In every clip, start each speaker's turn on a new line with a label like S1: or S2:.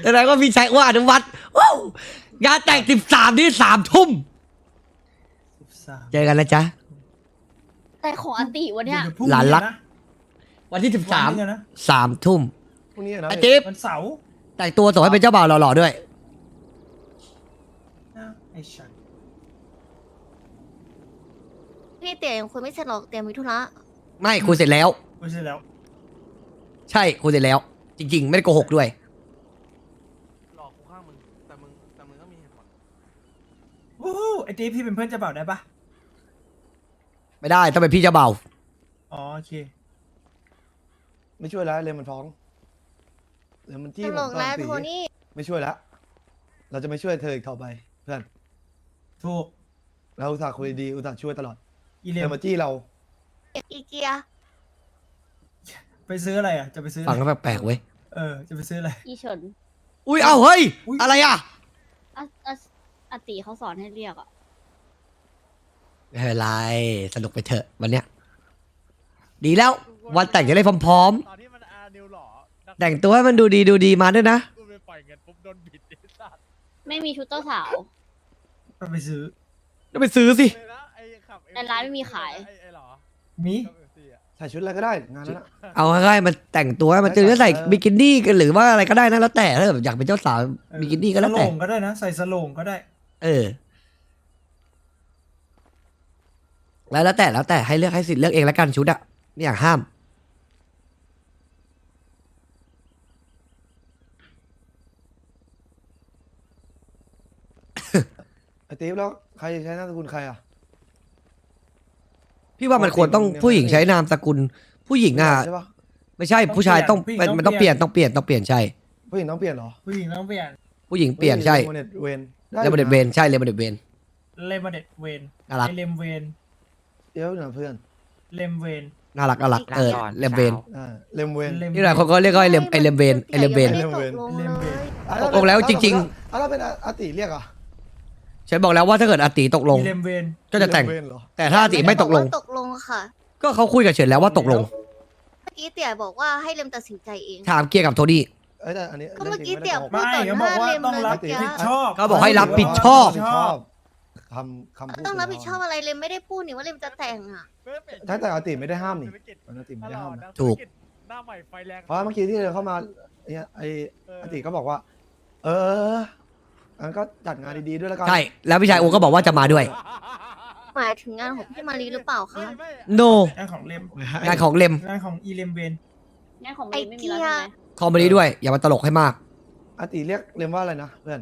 S1: แสดงว่าพี่ชายอ้วนอนุวัฒน์ว้าวงานแต่ง13นี่3 ทุ่ม
S2: 13
S1: เจอกันนะจ๊ะ
S3: แต่ของอันติวันเนี้ย
S2: เดี๋ยวพรุ่ง
S1: หลานรัก
S2: นะ
S1: วันที่
S2: วันนี้นะ
S1: 13 3 ทุ่ม
S4: พรุ่งนี้นะ
S1: ไอจิ๊บ
S2: วันเสาร์
S1: แต่งตัวส่งให้เป็นเจ้าบ่าวหล่อๆด้วย
S2: อ้าวไอ้ฉัน
S3: พี่เตี๋ยยังคุยไม่เสร็จหรอกเตี๋ยมีธุระ
S1: ไม่คุยเสร็จแล้ว
S2: ไม่ใช่แล้ว
S1: ใช่คุยเสร็จแล้ว จริง ๆ ไม่ได้โกหกด้วย
S5: หลอกกูข้างมึงแต่มึงก็มีเหตุผล
S2: วู้ฮู้ไอ้ตีพี่เป็นเพื่อนเจะเบ่าวได้ปะ
S1: ไม่ได้ต้องเป็นพี่เจ้าบ่าว
S2: อ๋อโอเค
S4: ไม่ช่วยแล้วเลยมันท้องเลยมันจี้
S3: ต
S4: ผม
S3: ลก
S4: ตอน
S3: แล้ว
S4: ตี
S3: โทนี่
S4: ไม่ช่วยแล้วเราจะไม่ช่วยเธออีกต่อไปเพื่อน
S2: ถูก
S4: เราอุตส่าห์คุยดีอุตส่าห์ช่วยตลอด
S2: อีเล
S4: เธ
S2: ม
S4: อมาจี้เรา
S3: อีเกีย
S2: ไปซื้ออะไรอ่ะจะไปซื้ออะ
S1: ฟัง
S2: ไร
S1: แล้วแปลกๆเว้ย
S2: จะไปซื้ออะไร
S3: อีเฉิน
S1: อุ้ยเอ้าเฮ้ย
S2: อุ๊ย
S1: อะไรอ่ะ
S3: อาติเขาสอนให้เรียกอ่ะ
S1: ไม่เป็นไรสนุกไปเถอะวันเนี้ยดีแล้ววันแต่งจะได้พร้อม
S5: ตอนที่มันอานิวหล่อ
S1: ๆแต่งตัวให้มันดูดีมาด้วยนะ
S5: กูไปปล่อยเงินปุ๊บโดนบิดไอ้สัตว์
S3: ไม่มีชุดเจ้าสาว
S2: ไปซื้อ
S1: ก็ไปซื้อสิ
S5: เลยนะไอ้ขับ
S3: ในร้านไม่มีขาย
S5: ไอ้หรอ
S2: มี
S5: ขับ MC อะ
S4: ใส่ชุดอะไรก็ได้งานนั้นอะ
S1: เอาง่ายๆมันแต่งตัวให้มันจะใส่บิกินี่กันหรือว่าอะไรก็ได้นะแล้วแต่ถ้าแบบอยากเป็นเจ้าสาวบิกินี่ก็แล้ว
S2: ส
S1: แต่
S2: โลงก็ได้นะ ใส่สโลงก็ได้
S1: เออแล้วแต่ให้เลือกให้สิทธิ์เลือกเองแล้วกันชุดอะไม่อยากห้าม
S4: ไอ้ติ๊บแล้วใครจะใช้นามสกุลใครอ่ะ
S1: พี่ว่ามันควรต้องผู้หญิงใช้นามสกุล ผู้หญิงอ่ะ
S4: ใช่ปะ
S1: ไม่ใช่ผู้ชายต้องมันต้องเปลี่ยนใช่
S4: ผู้หญิงต้องเปลี่ยนเหรอ
S2: ผู้หญิงต้องเปลี่ยน
S1: ผู้หญิงเปลี่ยนใช่
S4: เลมอนเนตเวนได้
S1: เลมอนเดดเวนใช่เลมอนเดดเวน
S2: เลมเด็ดเวน
S1: น่ารัก
S2: ไอเลมเวน
S4: เดี๋ยวนะเพื่อน
S2: เลมเวน
S1: น่ารักเลมเวน
S4: เลมเวน
S2: เลม
S1: นี่หลายคนก็เรียกว่าไอเลมเวนไอเลมเวน
S3: ไม่ได้ตกลงเลย
S1: ตกลงแล้วจริง
S4: ๆแล้วเป็นอาติเรียกอ่ะ
S1: ฉันบอกแล้วว่าถ้าเกิดอาติตกลง
S2: อีเลมเวน
S1: ก็จะแต่ง
S4: เลมเวนเหรอ
S1: แต่ถ้าอาติไม่ตกลง
S3: ตกลงค่ะ
S1: ก็เขาคุยกับเฉินแล้วว่าตกลง
S3: เมื่อกี้เตี๋ยบอกว่าให้เลมตัดสินใจเอง
S1: ถามเกียร์กับโทนี่
S4: เอ้ยแต่อันนี้
S3: ก็เมื่อกี้
S4: รื่องจริง
S3: เตี๋ย
S4: ไม่ได้โกหก
S2: ไม่เขาบอกว่าต้องรับผิดชอบ
S1: เขาบอกให้รับผิดชอบ
S4: คำพูด
S3: ต้องรับผิดชอบอะไรเลมไม่ได้พูดนี่ว่าเลมจะแต่งอ่ะ
S4: ถ้าแต่อาติไม่ได้ห้ามนี่อาติไม่ได้ห้ามนะ
S1: ถูก
S5: หน้าใหม่ไฟแรง
S4: เพราะเมื่อกี้ที่เดินเข้ามาเนี่ยไออาติก็บอกว่า งั้นก็จัดงานดีๆด้วยแล้วกัน
S1: ใช่แล้วพี่ชายโอก็บอกว่าจะมาด้วย
S3: หมายถึงงานของพี่มารีหรือเปล่าคะ
S1: no
S2: งานของเลม
S1: งานของเลม
S2: งานของอีเลมเวน
S3: งานของเลมไม่มีแล้วใช่ไหม
S1: คอมเมดี้ด้วย อย่ามาตลกให้มาก
S4: อาติเรียกเรมว่าอะไรนะเพื่อน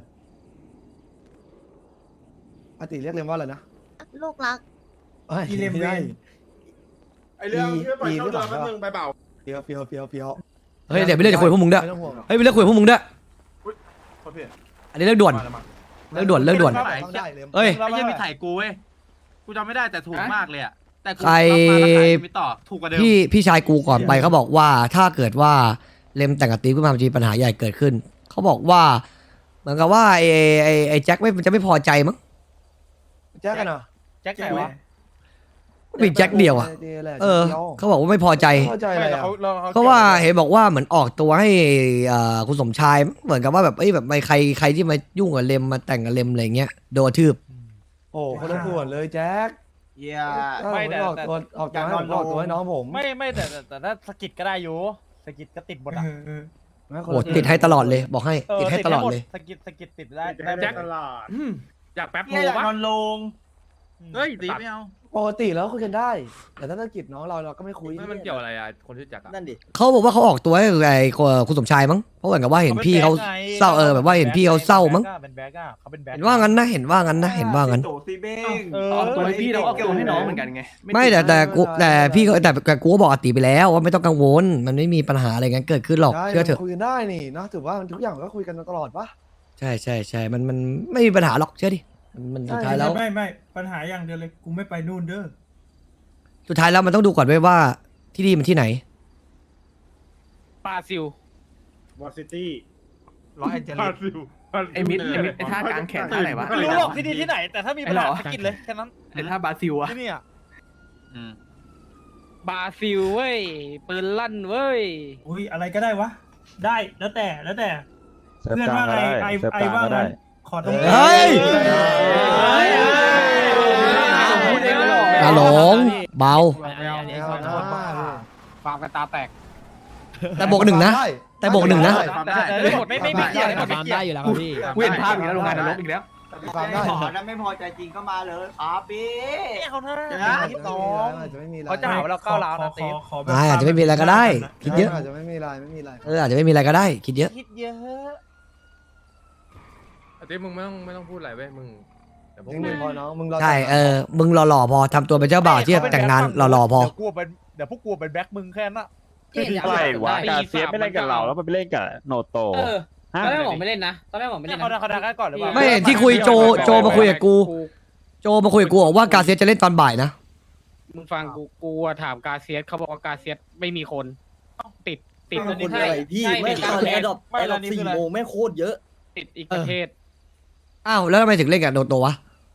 S4: อาติเรียกเรมว่าอะไรนะ
S3: ลูกรัก
S2: อีเลม
S4: ไม่
S2: เว
S4: ได้
S2: น
S6: ไอเรื่องที่ไม่ปล่อยเข้าเดือนแป๊บนึงไปเปล่า
S4: เฟียว
S1: เฮ้ยเดี๋ยวไปเรื่องจะคุยกับพวกมึงด้วย
S4: ไม่ต้องห่วงหรอก
S1: เฮ้ยไปเรื่องคุยกับพวกมึงด้วย
S6: โทษพี่
S1: อันนี้เรื่องด่วน
S6: มาแล้วมั้ง
S1: เรื่องด่วน
S4: ต้องได้เรม
S1: เอ้ย
S7: ไอ้เหี้ยังมีถ่ายกูเว้ย กูจำไม่ได้แต่ถูกมากเลยอะแต่กู
S1: ใคร
S7: รับมาแล้วขายไม่ต่อ ถูกกว่าเดิม
S1: พี่ชายกูก่อนไปเขาบอกว่าถ้าเกิดว่าเลมแต่งกับตีฟขึ้นมามันจะมีปัญหาใหญ่เกิดขึ้น เขาบอกว่า เหมือนกับว่าไอ้แจ็คมันจะไม่พอใจมั้ง
S4: แจ็คกันเหรอ
S5: แจ็คไหนวะ
S1: มีแจ็คเดียวอ่ะ เขาบอกว่าไม่พอใจ
S4: เข้าใจ
S6: ไม่
S4: อะไร
S6: แต่
S4: อ่ะ
S1: เพราะว่าเห็นบอกว่าเหมือนออกตัวให้คุณสมชายเหมือนกับว่าแบบแบบไม่ใครที่มายุ่งกับเลมมาแต่งกับเลมอะไรเงี้ยโดนทืบ
S4: โอ้คนละส่วนเลยแจ็ค
S7: เหี้ย
S5: ไม่แต่
S4: ออกตัวออกตัวให้น้องผม
S5: ไม่แต่ถ้าสกิดก็ได้อยู่สกิดก็ติดหมดอะ
S1: โอ้ติดให้ตลอดเลยบอกให้ติดให้ตลอดเลย
S5: สกิดติดได้
S6: แจ็คตลาด
S5: อยากแป๊บโม
S2: อยาก
S5: ปะ
S2: นอนลง
S7: เฮ้ยตีไม่เอา
S4: ปกติแล้วคุยกันได้ แต่ถ้าธุรกิจน้องเราก็ไม่คุย
S5: ไม่มันเกี่ยวอะไรอะคนที่แจ็คอะ
S7: นั่นดิ
S1: เขาบอกว่าเขาออกตัวให้ไอ้คุณสมชายมั้งเพราะเหมือนกับว่าเห็นพี่เขาเศร้าแบบว่าเห็นพี่เขาเศร้ามั้ง
S5: เป็นแบ็กอะเขาเป็นแบ็ก
S1: เห็นว่างั้นนะเห็นว่างั้น
S6: โตซีเบ้ง
S5: ออกตัวให้
S7: พี่เราออกตัวให้น้องเหมือนกันไง
S1: ไม่แต่พี่ก็แต่กูก็บอกอาติไปแล้วว่าไม่ต้องกังวลมันไม่มีปัญหาอะไรงั้นเกิดขึ้นหรอก
S4: ใช่
S1: เชื่อเถอะ
S4: คุยกันได้นี่นะถือว่าทุกอย่างก็คุยกันตลอดปะ
S1: ใช่มันไม่มีปัญหาหรอกเชื่อดิมันสุดท้ายแล้ว
S2: ไม่ปัญหาอย่างเดียวเลยกูไม่ไปนู่นเด้อ
S1: สุดท้ายแล้วมันต้องดูก่อนด้วยว่าที่นี่มันที่ไหน
S5: ปาซิล
S6: วอซิตี้
S5: ลอสแอนเจลิส
S7: ไอ้มิดไอ้ท่ากลางแขนท่าไหนวะ
S5: ไม่รู้หรอกที่นี่ที่ไหน แต่ถ้ามีปัญหาสกิดเลยแค่นั้น
S7: ไอ้ท่าบราซิลอะ
S5: ที่นี่อะ
S8: บราซิลเว้ยปืนลั่นเว้ย
S2: อุ้ยอะไรก็ได้วะ ได้แล้วแต่เพื่อนว่าไงไอว่าไงขอตรง
S1: เฮ้ยอย่าหลงเบา
S7: ฟาร์มกันตาแตก
S1: แต่บวกหนึ่งนะ แต่บวกหนึ่งนะ
S7: ไม่เกี่ยวไม่เกี่ยวได้อยู่แล้วครับพี่เว้นภาพอีกแล้วโรงงานนรกอีกแล้ว
S4: ฟังได้
S8: ขอถ้าไม่พอใจจริงก็มาเลยครับพี่
S7: เขาท่า
S4: อาจจะไม่มีอะไร
S7: เขาจะหาว่าเราก้าวร้าวนะตี
S1: อาจจะไม่มีอะไรก็ได้ คิดเยอะ
S4: อาจจะไม่มีอะไรไม่มีอะไร
S1: อาจจะไม่มีอะไรก็ได้ คิดเยอะ
S7: คิดเยอะ
S5: อาทิตย์มึงไม่ต้องพูดอะไรเว้ยมึงเดี๋ยวพวก
S4: จริง
S5: มึง
S4: พอน้องมึงรอ
S1: ใช่มึงหล่อๆพอทำตัวเป็นเจ้าบ่าวที่จะแต่งงานหล่อๆพอ
S7: เดี๋ยวพวกกูเป็นแบ็คมึงแค่นั้นอะ
S9: อะไรวะกาเซียสไม่เล่นกับเราแล้วมันไปเล่นกับโนโต
S7: ตอนแรกผมไม่เล่นนะตอนแรกผมไม่เล่นเขาดังก่อนหรือเปล่า
S1: ไม่ที่คุยโจมาคุยกับกู โจมาคุยกับกูบอกว่ากาเซียสจะเล่นตอนบ่ายนะ
S7: มึงฟังกูถามกาเซียสเขาบอกว่ากาเซียสไม่มีคนติด
S8: คนอะไรพี่ไม่ตอนแอร์ดรอป4 โมงไม่โคตรเยอะ
S7: ติดอีกประเทศ
S1: อ้าวแล้วทำไมถึงเล่นกับโดโตวะ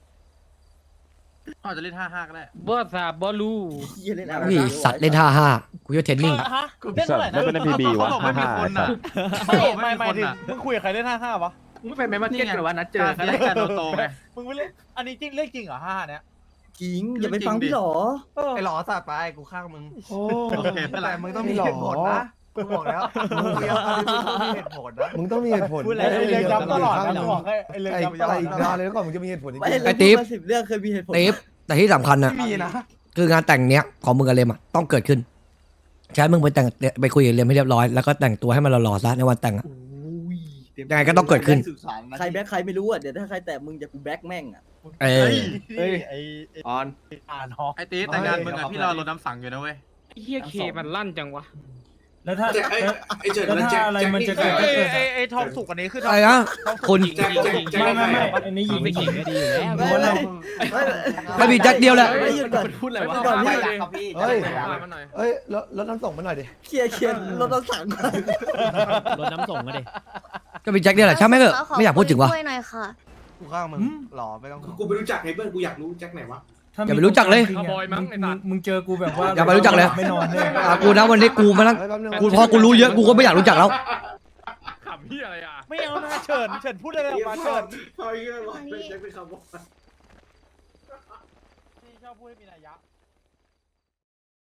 S5: อาจจะเล่น5-5ก็ได้
S7: บอสซาบอลู
S1: พี่สัตว์เล่น5-5กูจะเทรนนิ่ง
S9: สัตว์ไม่เป็น MPB วะ
S5: เขาบอกไม่มีคนอ่ะ
S7: ไม่ถึงมึงคุยกับใครเล่น55วะ
S5: มึงไม่ไปแมนเก็ตหรือว่านัดเจอกันเล่นกันโตไง
S7: มึงไม่เล่นอันนี้จริงเรื่องจริงเหรอ55เนี้ย
S8: จริงอย่าไปฟังพี่หรอ
S5: ไอ้หล่อสัตว์ไปกูข้างมึง
S4: โอ้
S5: โอเคเป็นไร
S4: มึงต้องมีเหตุผลนะกูบอกแล้วมึงมีเหตุผลนะมึงต้องมีเหตุผล
S7: พูดอะไรเรื่องย้ำตลอดนะบอกให้ไอ้เรื่อง
S4: ไอ้
S7: ย้ำ
S4: อะไรอีกนานเลยแล้วก่อนมึงจะมีเหตุผลจริง
S8: ไม่
S1: ไอ้ติ๊บ
S8: 10 เรื่องเคยมีเหตุผล
S1: เตฟแต่ที่สำคัญนะ
S4: มีนะ
S1: คืองานแต่งเนี้ยของมึงกับเลมอะต้องเกิดขึ้นใช้มึงไปคุยกับเลมให้เรียบร้อยแล้วก็แต่งตัวให้มันหล่อๆซะในวันแต่งอะ ยังไงก็ต้องเกิดขึ้น
S8: ใครแบ็คใครไม่รู้อ่ะเดี๋ยวถ้าใครแตะมึงจะกูแบ็คแม่งอ่ะ
S1: เออ
S7: ไอ้
S5: ออน
S7: อ่านฮอ
S5: ไอ้ตีแต่งงานมึงอ่ะพี่รอรถน้ำสั่งอยู่นะเว้ย
S7: เฮียเคมันลั่นจังวะ
S2: แล้วถ้าอะไรมันจะเกิดก็เกิด
S7: ไอ้ทองสุกอันนี้คือ
S1: อะไรนะคุณ
S2: ไม่อันนี้หญิง
S7: ไม่ขิงก็ดีอยู่แล้ว
S1: ไม่มีแจ็คเดียวแหละ
S8: ไม่หยุดก่อน
S7: พูดอะไรวะ
S8: ก่อนพี่
S4: เฮ้ย
S5: มาหน่อย
S4: เฮ้ยรถน้ำส่งมาหน่อยดิ
S8: เคลียร์รถต้องสั่งก่อน
S7: รถน้ำส่งก็ดิ
S1: ก็มีแจ็คเดียวแหละใช่ไหมเถอะไม่อยากพูดถึงวะ
S3: ช่วยหน่อยค่ะ
S5: กูข้างมึงหล่อไม่ต้อง
S6: กูไม่รู้จักไงเพื่อนกูอยากรู้แจ็คไหนวะ
S1: อย่าไปรู้จักเลย
S2: มึงเจอกูแบบว่า
S1: อย่าไปรู้จักเลย
S2: ไม่นอนเลย
S1: กูนะวันนี้กูมานั่ง
S4: เฮ้ยแป๊บนึง
S1: กูพอกูรู้เยอะกูก็ไม่อยากรู้จักแล้ว
S5: ขำพี่อะไรอ่ะ
S7: ไม่เอานะเฉินพูดอะไรออกมาเฉิน
S6: เฮ้ยแจ็คเป็นคำว่า
S7: ชอบพูดให้มีนัยยะ